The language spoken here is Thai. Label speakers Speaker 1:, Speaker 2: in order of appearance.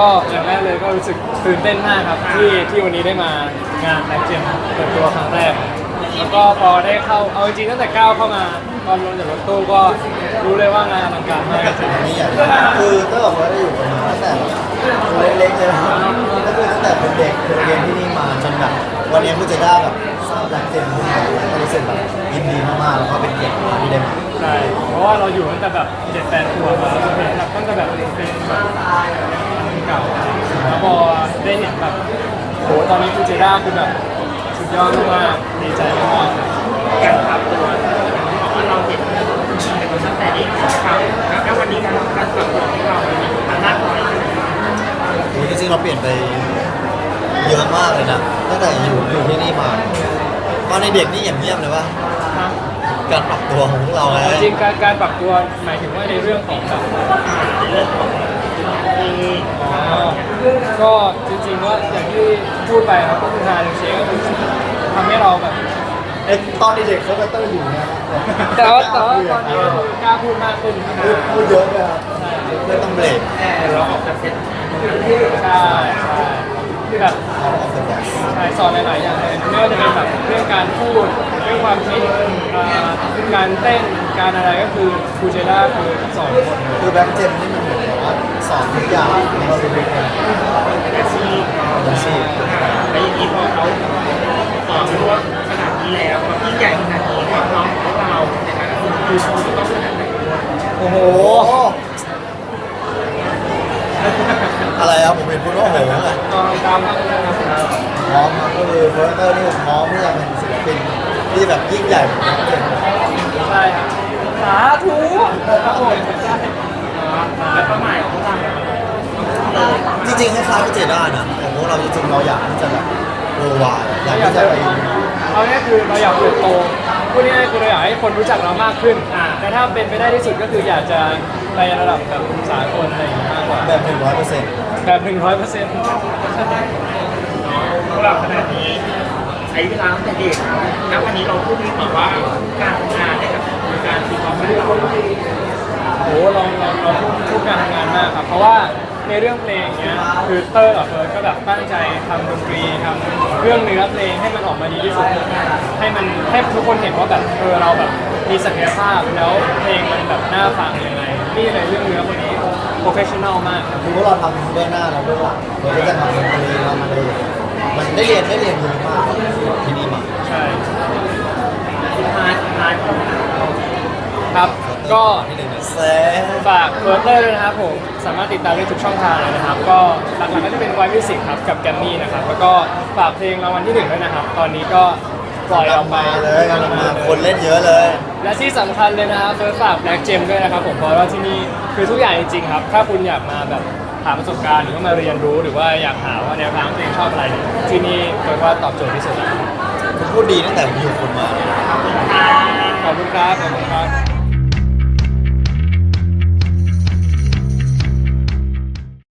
Speaker 1: ก็อย่างแรกเลยก็รู้สึกตื่นเต้นมากครับที่วันนี้ได้มางานแบ็คเจมเปิดตัวครั้งแรกแล้วก็พอได้เข้าเอาจริงๆตั้งแต่ก้าวเข้ามาตอนลงจากรถตู้ก็รู้เลยว่างานอลังการมากจริง
Speaker 2: นี่อย่างคือก็บอกว่าได้อยู่กันมาตั้งแต่ตัวเล็กๆเลยนะก็คือตั้งแต่เป็นเด็กเคยเรียนที่นี่มาจนแบบวันนี้ผู้จัดการแบบสร้างแบล็คเจมขึ้นมาก็รู้สึกแบบยินดีมากๆแล้วก็เป็นเกียรติมากที่ได้มา
Speaker 1: ใช่เพราะว่าเราอยู่ตั้งแต่แบบ7-8 ขวบมาเราเห็นแบบตั้งแต่แบบเป็นแบบเก่าแล้วพอได้เห็นแบบโหตอนนี้ฟูจิร่าคือแบบสุดยอดมากๆดีใจมากๆ
Speaker 3: การปรับตัวบอกว่าเราเห็นเป็นตั้งแต่เด็กครับแล้ววันนี้การปรับตัวของเรามันมากน้อย
Speaker 2: โอ้จริงๆเราเปลี่ยนไปเยอะมากเลยนะตั้งแต่อยู่ที่นี่มาตอนในเด็กนี่อย่างเงียบเลยว่าการปรับตัวของพวกเราไง
Speaker 1: จริงๆการปรับตัวหมายถึงว่าในเรื่องของแบบก็จริงๆว่าอย่างที่พูดไปครับก็คือทางเชฟก็คือทำให้เราแบบ
Speaker 2: ตอนเด็กเขาก็เตอร์อยู่นะ
Speaker 1: แต่ว่าตอนนี้ก็คือกล้าพูดมากขึ้น
Speaker 2: พูดเยอะเลยครับไม่ต้องเบรก
Speaker 3: เราออกจากเซ็ต
Speaker 1: ใช่ใช่คือแบบ
Speaker 2: เอาออกจากแบบ
Speaker 1: ใช่สอนหลายๆอย่างเลยไม่ว่าจะเป็นแบบเรื่องการพูดเรื่องความคิดการเต้นการอะไรก็คือครูเจด้าคือสอนหมดเลย
Speaker 2: คือแบ็คเจมนี่มันเหมือนแบบว่าสอนทุกอย่างในชีวิตเลย
Speaker 3: อาชีพ
Speaker 2: อาชีพ
Speaker 3: แล้วอย่างนี้พอเขาสอนรู้ว่าขนาดนี้แล้วความยิ่งใหญ่ขนาดนี้ความพร้อมของเราในการคือเขาจะต้องขนาดไหน
Speaker 2: โอ้โหอะไรครับผมเป็นพูดว่าโหไง
Speaker 1: ตอนตามครับ
Speaker 2: พร้อมครับก็คือโปรเตอร์นี่ผมพร้อมที่จะเป็นศิลปินที่แบบยิ่งใหญ่เหมือนกัน
Speaker 1: ใช่ครับสาธุครับผมใช่
Speaker 3: และเป้าหมายของเรา
Speaker 2: จริงๆคล้ายๆกับเจด้านะแต่พวกเราจริงๆเราอยากที่จะแบบเวอร์วายอยากที่จะไป
Speaker 1: เอาเนี่ยคือเราอยากเติบโตพูดง่ายๆคือเราอยากให้คนรู้จักเรามากขึ้นแต่ถ้าเป็นไปได้ที่สุดก็คืออยากจะไประดับแบบสากลอะไรอย่างงี้มากกว่า
Speaker 2: แบบ 100%
Speaker 1: แบบ 100%
Speaker 3: พวกเราขนาดนี้ใช้เวลาตั้งแต่เด็กณวันนี้เราพูดถึงแบบว่าการทำงานเนี่ยกับการทีมความรู้เรา
Speaker 1: โอ้เราพูดการทำงานมากครับเพราะว่าในเรื่องเพลงเนี้ยคือเตอร์กับเฟิร์สก็แบบตั้งใจทำดนตรีทำเรื่องเนื้อเพลงให้มันออกมาดีที่สุดให้ทุกคนเห็นว่าแบบเราแบบมีศักยภาพแล้วเพลงมันแบบน่าฟังยังไงนี่เลยเรื่องเนื้อคนนี้โปรเฟชชั่นอลมากครับ
Speaker 2: คือพวกเราทำเบื้องหน้าเราเบื้องหลังเราก็จะทำดนตรีเรามาเลยมันได้เรียนเยอะมากที่นี่มา
Speaker 1: ใช่
Speaker 3: สุดท้ายของ
Speaker 1: ครับก็
Speaker 2: ที่หนึ่งแซ
Speaker 1: ฝากเฟิร์สเตอร์ด้วยนะครับผมสามารถติดตามได้ทุกช่องทางเลยนะครับก็หลักๆก็จะเป็นไวมิวสิกครับกับแกมมี่นะครับแล้วก็ฝากเพลงรางวัลที่ 1ด้วยนะครับตอนนี้ก็ปล่อยออกไป
Speaker 2: เลยกำลังมาคนเล่นเยอะเลย
Speaker 1: และที่สำคัญเลยนะครับเฟิร์สฝากแบล็กเจมด้วยนะครับผมเพราะว่าที่นี่คือทุกอย่างจริงๆครับถ้าคุณอยากมาแบบหาประสบการณ์หรือว่ามาเรียนรู้หรือว่าอยากหาว่าแนวทางตัวเองชอบอะไรเนี่ยที่นี่เฟิร์สว่าตอบโจทย์ที่สุดแล้ว
Speaker 2: คุณพูดดีตั้งแต่ผมอยู่คุณมาเลย
Speaker 1: ขอบคุณครับขอบคุณครับ